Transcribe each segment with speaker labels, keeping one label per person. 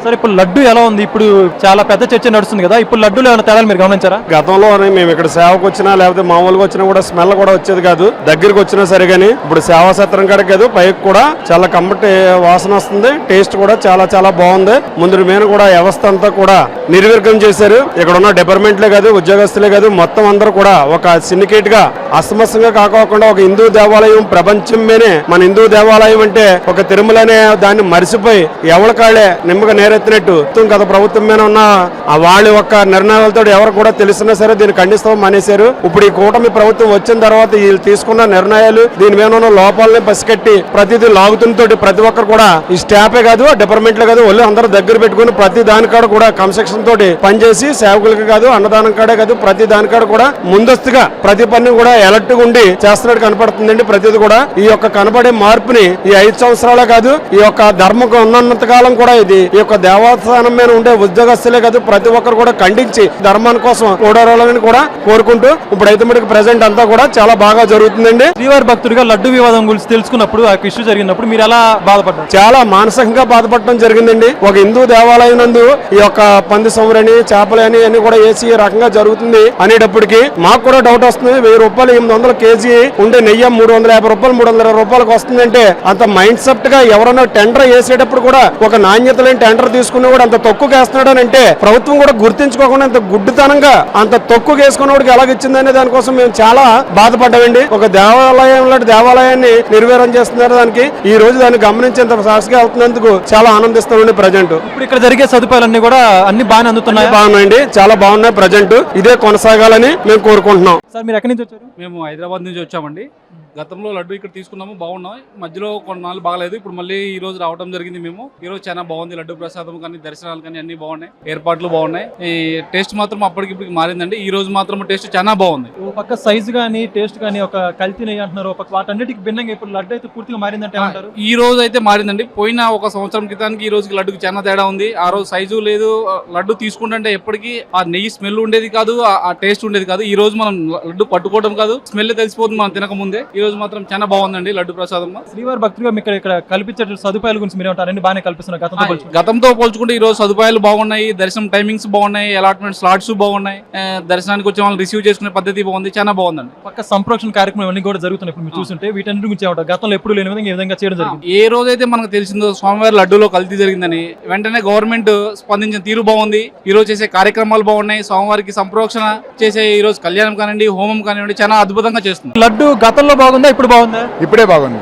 Speaker 1: Sir ఇప్పుడు లడ్డు ఎలా ఉంది? ఇప్పుడు చాలా పెద్ద చర్చ నడుస్తుంది కదా, ఇప్పుడు లడ్డూలో ఏమైనా తేడాలు మీరు గమనించారా?
Speaker 2: గతంలో మేము ఇక్కడ సేవకు వచ్చినా లేకపోతే మామూలుగా వచ్చినా కూడా స్మెల్ కూడా వచ్చేది కాదు, దగ్గరికి వచ్చినా సరే కానీ ఇప్పుడు సేవా సత్రం కాడ కాదు పైకి కూడా చాలా కమ్మటి వాసన వస్తుంది. టేస్ట్ కూడా చాలా చాలా బాగుంది. ముందు మీద కూడా వ్యవస్థ అంతా కూడా నిర్వీర్యం చేశారు. ఇక్కడ ఉన్న డిపార్ట్మెంట్లే కాదు, ఉద్యోగస్తులే కాదు, మొత్తం అందరూ కూడా ఒక సిండికేట్ గా అస్తమస్తంగా కాకోకుండా ఒక హిందూ దేవాలయం ప్రపంచం మీదే మన హిందూ దేవాలయం అంటే ఒక తిరుమల అనే దాన్ని మరిసిపోయి ఎవరి కాళ్ళే నిమ్మగా నేరెత్తినట్టు గత ప్రభుత్వం మీద ఉన్న వాళ్ళ యొక్క నిర్ణయాలతో ఎవరు కూడా తెలిసినా సరే దీన్ని ఖండిస్తాం మానేశారు. ఇప్పుడు ఈ కూటమి ప్రభుత్వం వచ్చిన తర్వాత వీళ్ళు తీసుకున్న నిర్ణయాలు దీని మీద ఉన్న లోపాలని పసికట్టి ప్రతిదీ లాగుతుంతో ప్రతి ఒక్కరు కూడా ఈ స్టాఫే కాదు, డిపార్ట్మెంట్లే కాదు, వాళ్ళు అందరూ దగ్గర పెట్టుకుని ప్రతి దానికాడ కూడా కన్స్ట్రక్షన్ తోటి పనిచేసి సేవకులకి కాదు, అన్నదానం కాడే కాదు, ప్రతి దానికాడ కూడా ముందస్తుగా ప్రతి పని కూడా అలర్ట్ గా ఉండి చేస్తున్నట్టు కనపడుతుందండి. ప్రతిది కూడా ఈ యొక్క కనబడే మార్పుని ఈ 5 సంవత్సరాలే కాదు, ఈ యొక్క ధర్మం ఉన్నంత కాలం కూడా ఇది ఈ యొక్క దేవస్థానం మీద ఉండే ఉద్యోగస్తులే కాదు ప్రతి ఒక్కరు కూడా ఖండించి ధర్మాని కోసం ఓడారాలని కూడా కోరుకుంటూ ఇప్పుడైతే మనకి ప్రెసెంట్ అంతా కూడా చాలా బాగా జరుగుతుందండి.
Speaker 1: శ్రీవారి భక్తుడిగా లడ్డు వివాదం గురించి తెలుసుకున్నప్పుడు ఆ ఇష్యూ జరిగినప్పుడు మీరు ఎలా బాధపడ్డారు?
Speaker 2: చాలా మానసికంగా బాధపడటం జరిగిందండి. ఒక హిందూ దేవాలయం నందు ఈ యొక్క పంది సంవరని చేపలు అని అన్ని కూడా వేసి ఈ రకంగా జరుగుతుంది అనేటప్పటికి మాకు కూడా డౌట్ వస్తుంది. 1000 రూపాయలు 800 కేజీ ఉండే నెయ్యి 350 రూపాయలు 320 రూపాయలకు వస్తుందంటే అంత మైండ్ సెట్ గా ఎవరన్నా టెండర్ వేసేటప్పుడు కూడా ఒక నాణ్యత లేని టెండర్ తీసుకుని కూడా అంత తక్కువ వేస్తున్నాడు అని అంటే ప్రభుత్వం కూడా గుర్తించుకోకుండా అంత గుడ్డితనంగా అంత తక్కువ వేసుకున్నవాడికి ఎలాగిచ్చిందనే దానికోసం మేము చాలా బాధపడ్డామండి. ఒక దేవాలయం లాంటి దేవాలయాన్ని నిర్వీర్యం చేస్తున్నారు. దానికి ఈ రోజు దాన్ని గమనించేంత సాక్షిగా వెళ్తున్నందుకు చాలా ఆనందిస్తామండి. ప్రజెంట్
Speaker 1: ఇప్పుడు ఇక్కడ జరిగే సదుపాయాలన్నీ కూడా అన్ని బాగానే అందుతున్నాయి.
Speaker 2: బాగున్నాయండి, చాలా బాగున్నాయి. ప్రజెంట్ ఇదే కొనసాగాలని మేము కోరుకుంటున్నాం.
Speaker 1: సార్ మీరు ఎక్కడి నుంచి వచ్చారు?
Speaker 3: మేము హైదరాబాద్ నుంచి వచ్చామండి. గతంలో లడ్డు ఇక్కడ తీసుకున్నాము, బాగున్నాయి. మధ్యలో కొన్నాళ్ళు బాగలేదు, ఇప్పుడు మళ్ళీ ఈ రోజు రావడం జరిగింది. మేము ఈ రోజు చాలా బాగుంది. లడ్డు ప్రసాదం కానీ దర్శనాలు కానీ అన్ని బాగున్నాయి, ఏర్పాట్లు బాగున్నాయి. ఈ టేస్ట్ మాత్రం అప్పటికిప్పటికి మారిందండి. ఈ రోజు మాత్రం టేస్ట్ చాలా బాగుంది.
Speaker 1: ఒక పక్క సైజు కానీ టేస్ట్ కానీ ఒక కల్తీ నెయ్యి అంటున్నారు, ఒక వాటన్నిటికి భిన్నంగా ఇప్పుడు లడ్డు అయితే పూర్తిగా మారిందంటే ఏమంటారు?
Speaker 3: ఈ రోజు అయితే మారిందండి. పోయిన ఒక సంవత్సరం క్రితానికి ఈ రోజుకి లడ్డుకి చాలా తేడా ఉంది. ఆ రోజు సైజు లేదు, లడ్డు తీసుకుంటే ఎప్పటికీ ఆ నెయ్యి స్మెల్ ఉండేది కాదు, ఆ టేస్ట్ ఉండేది కాదు. ఈ రోజు మనం లడ్డు పట్టుకోవడం కాదు, స్మెల్ తెలిసిపోతుంది మనం తినక ముందే. ఈ రోజు మాత్రం చాలా బాగుందండి లడ్డు ప్రసాదం.
Speaker 1: శ్రీవారి భక్తులుగా మీకు ఇక్కడ కల్పించే సదుపాయాల గురించి మీరు ఏమంటారు? బాగానే కల్పిస్తున్నారు
Speaker 3: గతంతో పోల్చుకుంటే ఈ రోజు సదుపాయాలు బాగున్నాయి, దర్శనం టైమింగ్స్ బాగున్నాయి, అలాట్మెంట్ స్లాట్స్ బాగున్నాయి, దర్శనానికి వచ్చే వాళ్ళని రిసీవ్ చేసుకునే పద్ధతి బాగుంది, చాలా బాగుందండి.
Speaker 1: పక్క సంప్రోక్షణ కార్యక్రమం అన్ని కూడా జరుగుతున్నాయి. ఇప్పుడు మీరు చూస్తుంటే వీటన్నిటి గురించి ఏమంటారు? గతంలో ఎప్పుడు లేని విధంగా ఈ విధంగా చేయడం జరిగింది.
Speaker 3: ఏ రోజైతే మనకు తెలిసిందో స్వామివారి లడ్డూలో కల్తీ జరిగిందని వెంటనే గవర్నమెంట్ స్పందించిన తీరు బాగుంది. ఈ రోజు చేసే కార్యక్రమాలు బాగున్నాయి. స్వామివారికి సంప్రోక్షణ చేసే ఈ రోజు కళ్యాణం కానివ్వండి, హోమం కానివ్వండి, చాలా అద్భుతంగా చేస్తుంది.
Speaker 1: లడ్డు గతంలో బాగుందా ఇప్పుడు బాగుందా?
Speaker 4: ఇప్పుడే బాగుంది.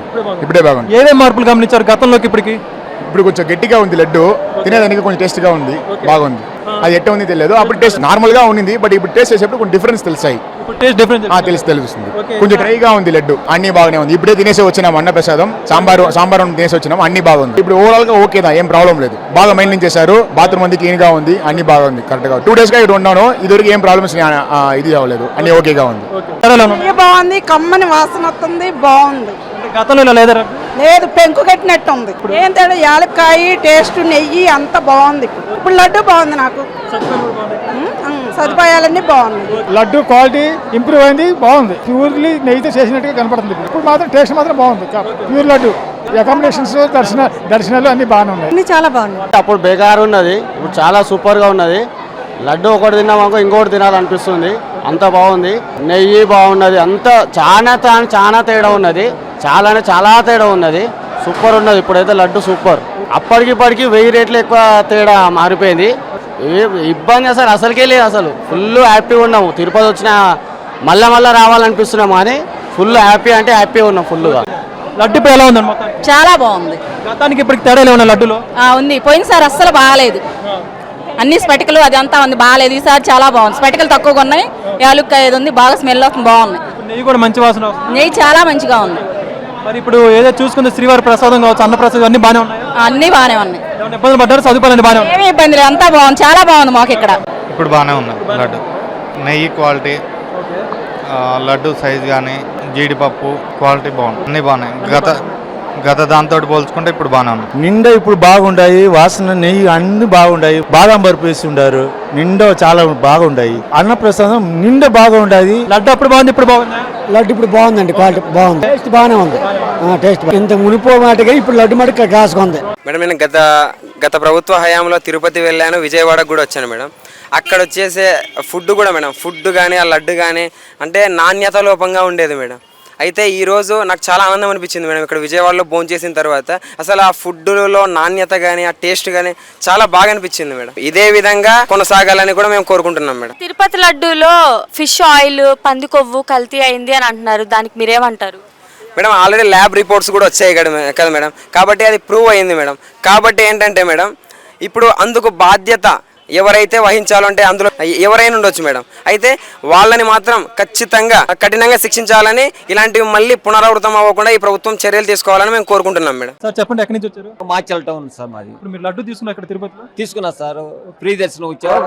Speaker 1: ఏమేం మార్పులు గమనించారు గతంలోకి ఇప్పటికి?
Speaker 4: ఇప్పుడు కొంచెం గట్టిగా ఉంది లడ్డు, తినేదానికి కొంచెం టేస్ట్ గా ఉంది, బాగుంది. అది ఎట్ట ఉంది తెలియదు, అప్పుడు టేస్ట్ నార్మల్ గా ఉంది, బట్ ఇప్పుడు టేస్ట్ చేసేప్పుడు కొంచెం డిఫరెన్స్ తెలుస్తాయి. తెలుస్తుంది. కొంచెం డ్రైగా ఉంది లడ్డు, అన్ని బాగానే ఉంది. ఇప్పుడే తినేసి వచ్చినాం అన్న ప్రసాదం, సాంబార్ తినేసి వచ్చినాం, అన్ని బాగుంది. ఇప్పుడు ఓవరాల్ గా ఓకేదా, ఏం ప్రాబ్లం లేదు. బాగా మెయింటైన్ చేశారు, బాత్రూమ్ అంది క్లీన్ గా ఉంది, అన్ని బాగుంది, కరెక్ట్ గా. 2 days గా ఇక్కడ ఉన్నాను, ఇదివరకు ఏం ప్రాబ్లమ్స్ ఇది అవ్వలేదు, అన్ని ఓకేగా ఉంది.
Speaker 5: బాగుంది, కమ్మని వాసన వస్తుంది, బాగుంది.
Speaker 1: గతంలో లేదా?
Speaker 5: లేదు, పెంకు కట్టినట్టు ఉంది. ఏం తేడా, యాలక్కాయ టేస్ట్, నెయ్యి అంత బాగుంది. ఇప్పుడు లడ్డు బాగుంది. నాకు సదుపాయాలన్నీ బాగున్నాయి.
Speaker 6: లడ్డు క్వాలిటీ ఇంప్రూవ్ అయింది, బాగుంది. ప్యూర్లీ నెయ్యితో చేసినట్టుగా కనపడుతుంది. ఇప్పుడు మాత్రం టేస్ట్ మాత్రం బాగుంది. ప్యూర్ లడ్డు, అకామిడేషన్స్, దర్శనాలు అన్ని బాగానే ఉన్నాయి, అన్ని చాలా బాగున్నాయి.
Speaker 7: అప్పుడు బేకారు ఉన్నది, ఇప్పుడు చాలా సూపర్ గా ఉన్నది. లడ్డు ఒకటి తిన్నామాక ఇంకోటి తినాలనిపిస్తుంది, అంత బాగుంది. నెయ్యి బాగున్నది, అంత చాలా తేడా ఉన్నది, చాలా తేడా ఉన్నది. సూపర్ ఉన్నది. ఇప్పుడైతే లడ్డు సూపర్. అప్పటికిప్పటికి 1000 రేట్లు ఎక్కువ తేడా మారిపోయింది. ఇబ్బంది అసలుకే లేదు. అసలు ఫుల్ హ్యాపీగా ఉన్నాము. తిరుపతి వచ్చిన మళ్ళా రావాలనిపిస్తున్నాము, కానీ ఫుల్ హ్యాపీ అంటే హ్యాపీగా ఉన్నాం ఫుల్గా.
Speaker 1: లడ్డు ఇప్పుడు ఎలా ఉంది?
Speaker 5: చాలా బాగుంది.
Speaker 1: గతానికి ఇప్పటికి తేడా ఏమన్నా లడ్డులో
Speaker 5: ఉంది? పోయినసారి అస్సలు బాగాలేదు, అన్ని స్పెటికలు అది అంతా ఉంది, బాగాలేదు. ఈసారి చాలా బాగుంది. స్పెటికలు తక్కువగా ఉన్నాయి, యాలుక్కాయ ఉంది, బాగా స్మెల్ వస్తుంది, బాగున్నాయి.
Speaker 1: నెయ్యి కూడా మంచి వాసన,
Speaker 5: నెయ్యి చాలా మంచిగా ఉంది.
Speaker 1: మరి ఇప్పుడు ఏదో చూసుకుంటే శ్రీవారి ప్రసాదం కావచ్చు, అన్న ప్రసాదం అన్ని బాగానే ఉన్నాయి,
Speaker 5: అన్ని బాగానే ఉన్నాయి.
Speaker 1: ఇబ్బందులు పడ్డారు? సదుపాయాలు బాగానే ఉన్నాయి,
Speaker 5: ఏమి ఇబ్బంది లేదు, అంతా బాగుంది, చాలా బాగుంది మాకు ఇక్కడ.
Speaker 8: ఇప్పుడు బాగానే ఉంది లడ్డు. నెయ్యి క్వాలిటీ, లడ్డు సైజ్ కానీ, జీడిపప్పు క్వాలిటీ బాగుంది, అన్ని బాగున్నాయి. గత దాంతో పోల్చుకుంటే ఇప్పుడు బాగానే ఉంది.
Speaker 9: నిండా ఇప్పుడు బాగుంటాయి, వాసన నెయ్యి అన్ని బాగుంటాయి. బాదం బరుపు వేసి ఉంటారు, నిండా చాలా బాగుంటాయి. అన్న ప్రసాదం నిండా బాగా ఉంటది.
Speaker 1: లడ్డు అప్పుడు బాగుంది, ఇప్పుడు బాగుంది.
Speaker 6: లడ్డు ఇప్పుడు బాగుందండి, క్వాలిటీ బాగుంది, టేస్ట్ బాగానే ఉంది. టేస్ట్ ఇంత మునిపో మాటగా ఇప్పుడు లడ్డు మటుకు కాసుకుంది.
Speaker 10: మేడం నేను గత గత ప్రభుత్వ హయాంలో తిరుపతి వెళ్ళాను, విజయవాడకు కూడా వచ్చాను మేడం. అక్కడ వచ్చేసే ఫుడ్ కూడా మేడం, ఫుడ్ కానీ ఆ లడ్డు కానీ అంటే నాణ్యత లోపంగా ఉండేది మేడం. అయితే ఈరోజు నాకు చాలా ఆనందం అనిపించింది మేడం ఇక్కడ విజయవాడలో భోంచేసిన తర్వాత. అసలు ఆ ఫుడ్లో నాణ్యత కానీ ఆ టేస్ట్ కానీ చాలా బాగా అనిపించింది మేడం. ఇదే విధంగా కొనసాగాలని కూడా మేము కోరుకుంటున్నాం మేడం.
Speaker 11: తిరుపతి లడ్డూలో ఫిష్ ఆయిల్, పంది కొవ్వు కల్తీ అయింది అని అంటున్నారు, దానికి మీరేమంటారు?
Speaker 10: మేడం ఆల్రెడీ ల్యాబ్ రిపోర్ట్స్ కూడా వచ్చాయి కదా మేడం, కాబట్టి అది ప్రూవ్ అయింది మేడం. కాబట్టి ఏంటంటే మేడం ఇప్పుడు అందుకు బాధ్యత ఎవరైతే వహించాలంటే అందులో ఎవరైనా ఉండొచ్చు మేడం. అయితే వాళ్ళని మాత్రం ఖచ్చితంగా కఠినంగా శిక్షించాలని, ఇలాంటివి మళ్ళీ పునరావృతం అవ్వకుండా ఈ ప్రభుత్వం చర్యలు తీసుకోవాలని మేము కోరుకుంటున్నాం మేడం.
Speaker 1: సార్ చెప్పండి, ఎక్కడి నుంచి వచ్చారు?
Speaker 12: మాచల్ టౌన్ సార్ మాది.
Speaker 1: ఇప్పుడు మీరు లడ్డు తీసుకున్నారు ఇక్కడ తిరుపతిలో?
Speaker 12: తీసుకున్నా సార్, ఫ్రీ దర్శనం వచ్చారు,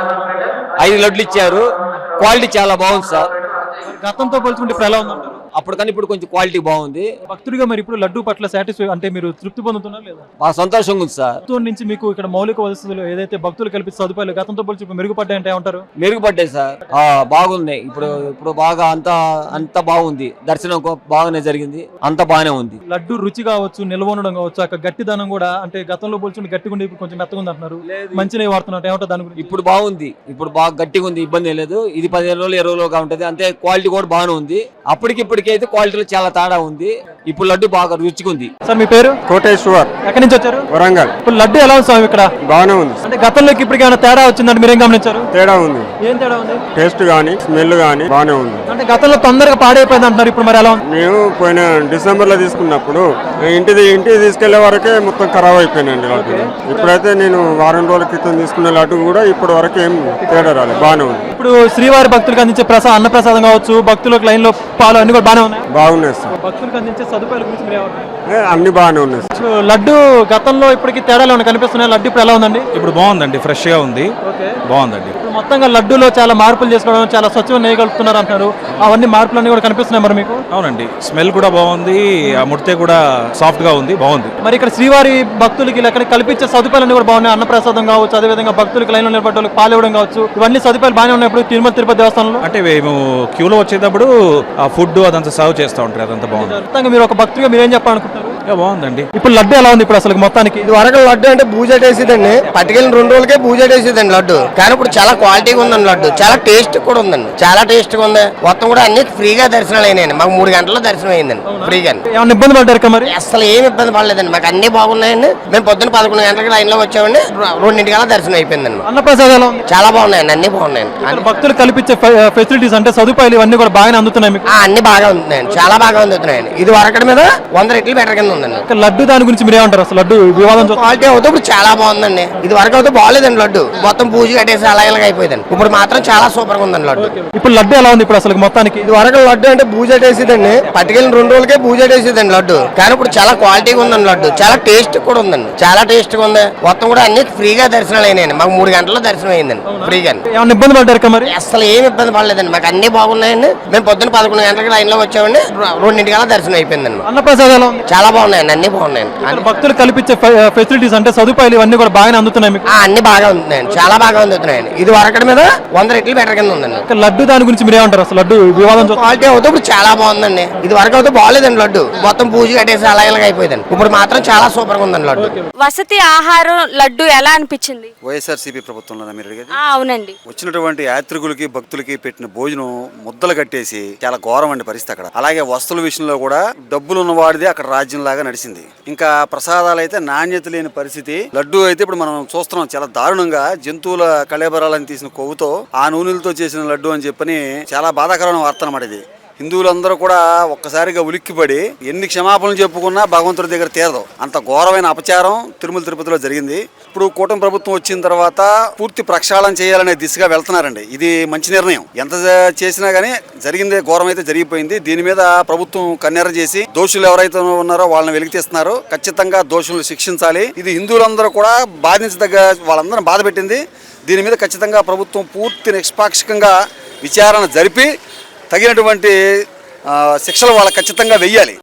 Speaker 12: 5 లడ్లు ఇచ్చారు, క్వాలిటీ చాలా బాగుంది సార్.
Speaker 1: గతంతో పోల్చుకుంటే ఇప్పుడు ఎలా ఉందంటారు?
Speaker 12: అప్పటికన్నా ఇప్పుడు కొంచెం క్వాలిటీ బాగుంది.
Speaker 1: భక్తుడిగా మరి ఇప్పుడు లడ్డు పట్ల సాటిస్ఫై అంటే మీరు తృప్తి పొందుతున్నారు లేదా?
Speaker 12: బాగా సంతోషంగా ఉంది సార్.
Speaker 1: ప్రభుత్వం నుంచి మీకు ఇక్కడ మౌలిక వసతులు ఏదైతే భక్తులు కల్పించే సదుపాయాలు గతంతో పోల్చి ఇప్పుడు మెరుగుపడ్డాయంటే ఏమంటారు?
Speaker 12: మెరుగుపడ్డాయి సార్, బాగున్నాయి. ఇప్పుడు బాగా అంత బాగుంది, దర్శనం బాగానే జరిగింది, అంత బాగానే ఉంది.
Speaker 1: లడ్డు రుచి కావచ్చు, నిల్వ ఉండడం కావచ్చు, అక్కడ గట్టిదనం కూడా అంటే గతంలో పోల్చుకుంటే గట్టిగా ఉండి ఇప్పుడు కొంచెం మెత్తగా ఉంది అంటున్నారు. మంచిగా వాడుతున్నారు, ఏమంటారు దాని గురించి?
Speaker 12: ఇప్పుడు బాగుంది, ఇప్పుడు బాగా గట్టిగా ఉంది, ఇబ్బంది లేదు. ఇది 15 రోజులు 20 రోజులుగా ఉంటుంది అంతే. క్వాలిటీ కూడా బాగానే ఉంది. అప్పటికిప్పటికైతే క్వాలిటీలో చాలా తేడా ఉంది. ఇప్పుడు లడ్డు బాగా రుచిగా ఉంది.
Speaker 1: సార్ మీ పేరు?
Speaker 2: కోటేశ్వర్.
Speaker 1: ఎక్కడి నుంచి వచ్చారు?
Speaker 2: వరంగల్.
Speaker 1: ఇప్పుడు లడ్డు ఎలా ఉంది స్వామి ఇక్కడ?
Speaker 2: బాగానే ఉంది.
Speaker 1: అంటే గతంలోకి ఇప్పటికి ఏమైనా తేడా వచ్చిందంటే మీరేం గమనించారు?
Speaker 2: తేడా ఉంది.
Speaker 1: ఏం తేడా ఉంది?
Speaker 2: టేస్ట్ గానీ స్మెల్ గానీ బాగానే ఉంది.
Speaker 1: అంటే గతంలో తొందరగా పాడైపోయింది అంటున్నారు, ఇప్పుడు మరి ఎలా ఉంది?
Speaker 2: మేము పోయిన డిసెంబర్లో తీసుకున్నప్పుడు ఇంటికి తీసుకెళ్లే వరకే మొత్తం ఖరాబ్ అయిపోయినండి లడ్డు. ఇప్పుడైతే నేను వారం రోజుల క్రితం తీసుకున్న లడ్డు కూడా ఇప్పటి వరకు ఏం తేడా రాలేదు, బాగానే ఉంది.
Speaker 1: ఇప్పుడు శ్రీవారి భక్తులకు అందించే అన్న ప్రసాదం కావచ్చు, భక్తులకు లైన్ లో పాలు అన్ని కూడా బాగానే ఉన్నాయి.
Speaker 2: బాగున్నాయి సార్.
Speaker 1: భక్తులకు అందించే సదుపాయాల గురించి మీరు ఏమంటారు?
Speaker 2: అన్ని బాగానే ఉన్నాయి.
Speaker 1: లడ్డు గతంలో ఇప్పటికి తేడాలు ఏమైనా కనిపిస్తున్నాయి? లడ్డు ఇప్పుడు ఎలా ఉందండి?
Speaker 13: ఇప్పుడు బాగుందండి, ఫ్రెష్ గా ఉంది, బాగుందండి.
Speaker 1: ఇప్పుడు మొత్తంగా లడ్డూలో చాలా మార్పులు చేసుకోవడం, చాలా స్వచ్ఛమైన నేయగలుగుతున్నారు అంటున్నారు. అవన్నీ మార్పులన్నీ కూడా కనిపిస్తున్నాయి మరి మీకు?
Speaker 13: అవునండి, స్మెల్ కూడా బాగుంది, ఆ ముడితే కూడా సాఫ్ట్ గా ఉంది, బాగుంది.
Speaker 1: మరి ఇక్కడ శ్రీవారి భక్తులకి ఇక్కడ కల్పించే సదుపాయాలన్నీ కూడా బాగున్నాయి. అన్నప్రసాదం కావచ్చు, అదేవిధంగా భక్తులకు లైన్లో నిలబడ్డ వాళ్ళకి పాలు ఇవ్వడం కావచ్చు, ఇవన్నీ సదుపాయాలు బాగానే ఉన్నాయి ఇప్పుడు తిరుపతి దేవస్థానంలో.
Speaker 13: అంటే మేము క్యూలో వచ్చేటప్పుడు ఆ ఫుడ్ అదంతా సర్వ్ చేస్తూ ఉంటారు, అదంతా బాగుంది.
Speaker 1: మొత్తంగా మీరు ఒక భక్తుడిగా మీరు ఏం చెప్పాలనుకుంటారు?
Speaker 13: బాగుందండి.
Speaker 1: ఇప్పుడు లడ్డు ఎలా ఉంది ఇప్పుడు అసలు మొత్తానికి?
Speaker 7: ఇది వరకు లడ్డు అంటే బూజేటేసిదండి, పట్టుకెళ్ళిన 2 రోజులకే బూజేటేసిదండి లడ్డు. కానీ ఇప్పుడు చాలా క్వాలిటీగా ఉందండి లడ్డు, చాలా టేస్ట్ కూడా ఉందండి, చాలా టేస్ట్ గా ఉంది. మొత్తం కూడా అన్ని ఫ్రీగా దర్శనాలు అయినాయండి. మాకు 3 గంటల్లో దర్శనం అయిందండి ఫ్రీగా.
Speaker 1: ఏమైనా ఇబ్బంది పడ్డారు మరి?
Speaker 7: అసలు ఏమి ఇబ్బంది పడలేదండి, మాకు అన్ని బాగున్నాయండి. మేము పొద్దున్న 11 గంటలకు లైన్ లో వచ్చామండి, 2:00 దర్శనం అయిపోయిందండి.
Speaker 1: అన్నప్రసాదాలు
Speaker 7: చాలా బాగున్నాయండి, అన్ని బాగున్నాయండి.
Speaker 1: భక్తులు కల్పించే ఫెసిలిటీస్ అంటే సదుపాయాలు ఇవన్నీ కూడా బాగానే అందుతున్నాయి మీకు?
Speaker 7: అన్ని బాగా అందుతున్నాయండి, చాలా బాగా అందుతున్నాయండి. ఇది వరకటి మీద 100 రెట్లు బెటర్ కింద ఉందండి.
Speaker 1: లడ్డు దాని గురించి మీరు ఏమంటారు? అసలు లడ్డు వివాదం
Speaker 7: క్వాలిటీ అవుతే ఇప్పుడు చాలా బాగుందండి. ఇది వరకు అయితే బాగాలేదండి లడ్డు, మొత్తం పూజ కట్టేసి అలాగే అయిపోయిందండి. ఇప్పుడు మాత్రం చాలా సూపర్ గా ఉందండి లడ్డు.
Speaker 1: ఇప్పుడు లడ్డు ఎలా ఉంది ఇప్పుడు అసలు మొత్తానికి?
Speaker 7: ఇది వరకు లడ్డు అంటే బూజేటేసిదండి, పట్టుకెళ్ళిన 2 రోజులకే బూజేటేసిదండి లడ్డు. కానీ ఇప్పుడు చాలా క్వాలిటీగా ఉందండి లడ్డు, చాలా టేస్ట్ కూడా ఉందండి, చాలా టేస్ట్ గా ఉంది. మొత్తం కూడా అన్ని ఫ్రీగా దర్శనాలు అయినాయండి. మాకు 3 గంటల్లో దర్శనం అయిందండి ఫ్రీగా.
Speaker 1: ఏమైనా ఇబ్బంది పడ్డారు మరి?
Speaker 7: అసలు ఏమి ఇబ్బంది పడలేదండి, మాకు అన్ని బాగున్నాయండి. మేము పొద్దున్న 11 గంటలకు లైన్ లో వచ్చామండి, 2:00 దర్శనం అయిపోయిందండి.
Speaker 1: అన్నప్రసాదాలు
Speaker 7: చాలా బాగున్నాయండి, అన్ని బాగున్నాయండి.
Speaker 1: భక్తులు కల్పించే ఫెసిలిటీస్ అంటే సదుపాయాలు ఇవన్నీ కూడా బాగానే అందుతున్నాయి మీకు?
Speaker 7: అన్ని బాగా అందుతున్నాయండి, చాలా బాగా అందుతున్నాయండి. ఇది వరకటి మీద 100 రెట్లు బెటర్ కింద ఉందండి.
Speaker 1: లడ్డు దాని గురించి మీరు ఏమంటారు? అసలు లడ్డు వివాదం
Speaker 7: క్వాలిటీ అవుతే ఇప్పుడు చాలా బాగుందండి. ఇది వరకు అయితే బాగాలేదండి లడ్డు, మొత్తం పూజ కట్టేసి అలాగే అయిపోయిందండి. ఇప్పుడు మాత్రం చాలా సూపర్ గా ఉందండి లడ్డు.
Speaker 11: వసతి ఆహారం లడ్డు ఎలా అనిపించింది?
Speaker 14: వైఎస్ఆర్సీపీ ప్రభుత్వంలో మీరు అడిగేది?
Speaker 11: అవునండి.
Speaker 14: వచ్చినటువంటి యాత్రికులకి భక్తులకి పెట్టిన భోజనం ముద్దలు కట్టేసి చాలా ఘోరమండి పరిస్థితి అక్కడ. అలాగే వస్తువుల విషయంలో కూడా డబ్బులు ఉన్నవాడిదే అక్కడ రాజ్యం లాగా నడిచింది. ఇంకా ప్రసాదాలు అయితే నాణ్యత లేని పరిస్థితి. లడ్డు అయితే ఇప్పుడు మనం చూస్తున్నాం చాలా దారుణంగా జంతువుల కళేబరాలను తీసిన కొవ్వుతో ఆ నూనెలతో చేసిన లడ్డు అని చెప్పని చాలా బాధాకరమైన వార్త అన్నమాట ఇది. హిందువులందరూ కూడా ఒక్కసారిగా ఉలిక్కిపడి ఎన్ని క్షమాపణలు చెప్పుకున్నా భగవంతుడి దగ్గర తీరదు. అంత ఘోరమైన అపచారం తిరుమల తిరుపతిలో జరిగింది. ఇప్పుడు కూటమి ప్రభుత్వం వచ్చిన తర్వాత పూర్తి ప్రక్షాళన చేయాలనే దిశగా వెళ్తున్నారండి. ఇది మంచి నిర్ణయం. ఎంత చేసినా గానీ జరిగిందే ఘోరం అయితే జరిగిపోయింది. దీని మీద ప్రభుత్వం కన్నెర చేసి దోషులు ఎవరైతే ఉన్నారో వాళ్ళని వెలికితీస్తున్నారు. ఖచ్చితంగా దోషులను శిక్షించాలి. ఇది హిందువులందరూ కూడా బాధించదగ్గ వాళ్ళందరూ బాధ పెట్టింది. దీని మీద ఖచ్చితంగా ప్రభుత్వం పూర్తి నిష్పాక్షికంగా విచారణ జరిపి తగినటువంటి శిక్షలు వాళ్ళకి ఖచ్చితంగా వెయ్యాలి.